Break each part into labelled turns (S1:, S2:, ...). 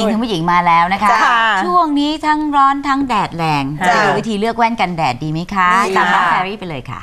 S1: ญิงทั้งผู้หญิงมาแล้วนะคะช่วงนี้ทั้งร้อนทั้งแดดแรงจะดูวิธีเลือกแว่นกันแดดดีไหมคะตามน้องแพรรี่ไปเลยค่ะ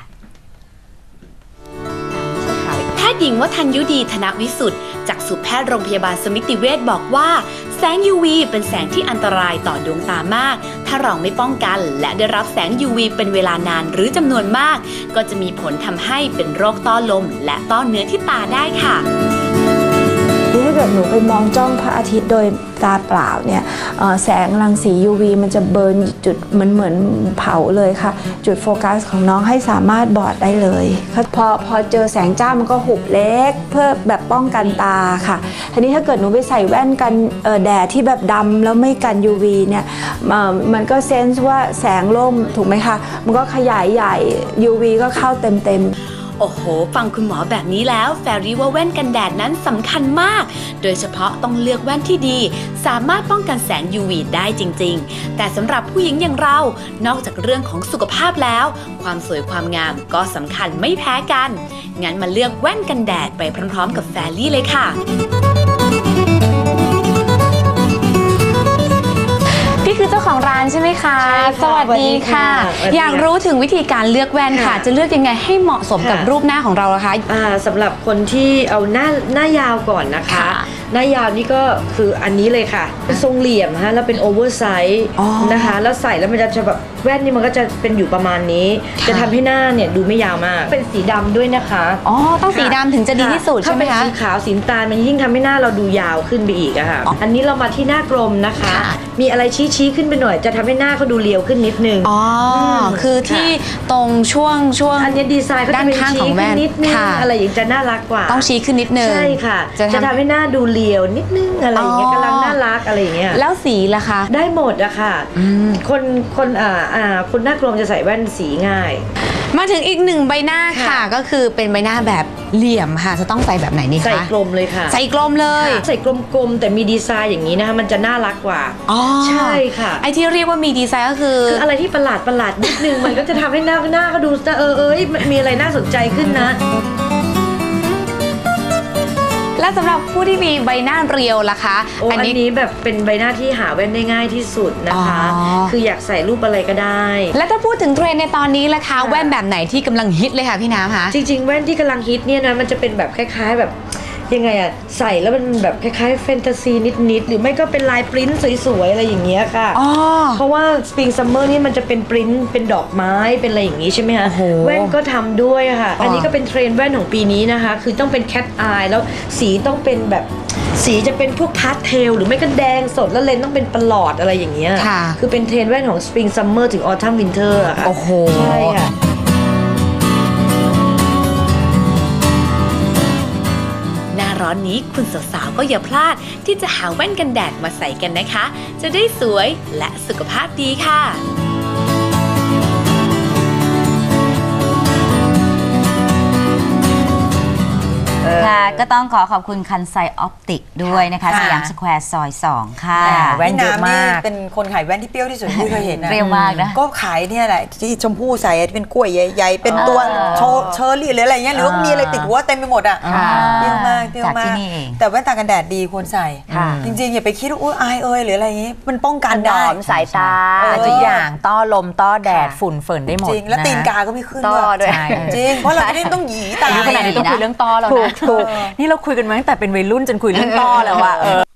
S2: แพทย์หญิงวทัญยุดีธนวิสุทธิ์จากสุแพทย์โรงพยาบาลสมิติเวชบอกว่าแสง UV เป็นแสงที่อันตรายต่อดวงตามากถ้าเราไม่ป้องกันและได้รับแสง UV เป็นเวลานานหรือจำนวนมากก็จะมีผลทำให้เป็นโรคต้อลมและต้อเนื้อที่ตาได้ค่ะ
S3: ถ้าเกิดหนูไปมองจ้องพระอาทิตย์โดยตาเปล่าเนี่ยแสงรังสี UV มันจะเบิร์นจุดเหมือนเผาเลยค่ะจุดโฟกัสของน้องให้สามารถบอดได้เลยพอเจอแสงจ้ามันก็หุบเล็กเพื่อแบบป้องกันตาค่ะทีนี้ถ้าเกิดหนูไปใส่แว่นกันแดดที่แบบดำแล้วไม่กัน UV เนี่ยมันก็เซนส์ว่าแสงร่มถูกไหมคะมันก็ขยายใหญ่ UV ก็เข้าเต็ม
S2: โอ้โหฟังคุณหมอแบบนี้แล้วแฟรี่ว่าแว่นกันแดดนั้นสำคัญมากโดยเฉพาะต้องเลือกแว่นที่ดีสามารถป้องกันแสง UV ได้จริงๆแต่สำหรับผู้หญิงอย่างเรานอกจากเรื่องของสุขภาพแล้วความสวยความงามก็สำคัญไม่แพ้กันงั้นมาเลือกแว่นกันแดดไปพร้อมๆกับแฟรี่เลยค่ะ
S4: พี่คือเจ้าของร้านใช่ไหมคะสวัสดีค่ะอยากรู้ถึงวิธีการเลือกแว่นค่ะจะเลือกยังไงให้เหมาะสมกับรูปหน้าของเราล่ะคะ
S5: สำหรับคนที่เอาหน้ายาวก่อนนะคะหน้ายาวนี่ก็คืออันนี้เลยค่ะเป็นทรงเหลี่ยมฮะแล้วเป็นโอเวอร์ไซส์นะคะแล้วใส่แล้วมันจะแบบแว่นนี่มันก็จะเป็นอยู่ประมาณนี้จะทำให้หน้าเนี่ยดูไม่ยาวมากเป็นสีดำด้วยนะคะ
S4: ต้องสีดำถึงจะดีที่สุดใช่ไหมคะ
S5: ถ้าเป็นสีขาวสีน้ำตาลมันยิ่งทำให้หน้าเราดูยาวขึ้นไปอีกอะค่ะอันนี้เรามาที่หน้ากลมนะคะมีอะไรชี้ขึ้นไปหน่อยจะทำให้หน้าเขาดูเรียวขึ้นนิดนึง
S4: คือที่ตรงช่วง
S5: อันนี้ดีไซน์เขาจะเป็นชี้ขึ้นนิดนึงอะไรอย่างจะน่ารักกว่า
S4: ต้องชี้ขึ้นนิดนึง
S5: ใช่ค่ะจะทำให้หน้าดูเรียวนิดนึงอะไรอย่างเงี้ยกำลังน่ารักอะไรอย่างเงี้ย
S4: แล้วสีล่ะคะ
S5: ได้หมดอะค่ะคนหน้ากลมจะใส่แว่นสีง่าย
S4: มาถึงอีกหนึ่งใบหน้าค่ะก็คือเป็นใบหน้าแบบเหลี่ยมค่ะจะต้องใส่แบบไหนนี่คะ
S5: ใส่กลมเลยค่ะ
S4: ใส่กลมเลย
S5: ใส่กลมแต่มีดีไซน์อย่างนี้นะคะมันจะน่ารักกว่าใช่ค่ะ
S4: ไอที่เรียกว่ามีดีไซน์ก็คือ
S5: อะไรที่ประหลาดนิดนึงมันก็จะทำให้หน้าเขาดูมีอะไรน่าสนใจขึ้นนะ
S4: และสำหรับผู้ที่มีใบหน้าเรียวล่ะคะ
S5: อันนี้แบบเป็นใบหน้าที่หาแว่นได้ง่ายที่สุดนะคะคืออยากใส่รูปอะไรก็ได้
S4: และถ้าพูดถึงเทรนด์ในตอนนี้ล่ะคะแว่นแบบไหนที่กำลังฮิตเลยค่ะพี่น้ำคะ
S5: จริงๆแว่นที่กำลังฮิตเนี่ยนะมันจะเป็นแบบคล้ายๆแบบยังไงอะใส่แล้วมันแบบคล้ายๆแฟนตาซีนิดๆหรือไม่ก็เป็นลายปริ้นสวยๆอะไรอย่างเงี้ยค่ะเพราะว่าสปริงซัมเมอร์นี่มันจะเป็นปริ้นเป็นดอกไม้เป็นอะไรอย่างงี้ใช่ไหมคะแว่นก็ทำด้วยค่ะอันนี้ก็เป็นเทรนด์แว่นของปีนี้นะคะคือต้องเป็นแคทอายแล้วสีต้องเป็นแบบสีจะเป็นพวกพาสเทลหรือไม่ก็แดงสดแล้วเลนต้องเป็นประหลอดอะไรอย่างเงี้ยคือเป็นเทรนด์แว่นของสปริงซัมเมอร์ถึงออทัมวินเทอร์ค่ะใช่ค่ะ
S2: ร้อนนี้คุณสาวๆก็อย่าพลาดที่จะหาแว่นกันแดดมาใส่กันนะคะจะได้สวยและสุขภาพดีค่ะ
S1: ค่ะก็ต้องขอบคุณคันไซออปติกด้วยนะคะสยามสแควร์ซอย 2ค่ะ
S6: แว่นเยอะมากเป็นคนขายแว่นที่เปรี้ยวที่สุดที่เคยเห็นนะ
S1: เปรี้ยวมากนะ
S6: ก็ขายเนี่ยแหละที่ชมพู่ใส่เป็นกล้วยใหญ่ๆเป็นตัวเชอร์รี่หรืออะไรเงี้ยหรือว่ามีอะไรติดหัวเต็มไปหมดอ่ะเปรี้ยวมากแต่แว่นตากันแดดดีควรใส่จริงๆอย่าไปคิดว่าอายหรืออะไรอย่างงี้มันป้องกันได้
S7: สายตาทุกอย่างต้อลมต้อแดดฝุ่นเฟิร์นได้หมด
S6: จริงแล้วตีนกาก็ไม่ขึ้นด้วยจริงเพราะเราไม่ได้ต้องหยีตา
S7: ขนาดนี้ต้องคุยเรื่องต้อแล้วนะนี่เราคุยกันมาตั้งแต่เป็นวัยรุ่นจนคุยเรื่องต้อแล้วอะ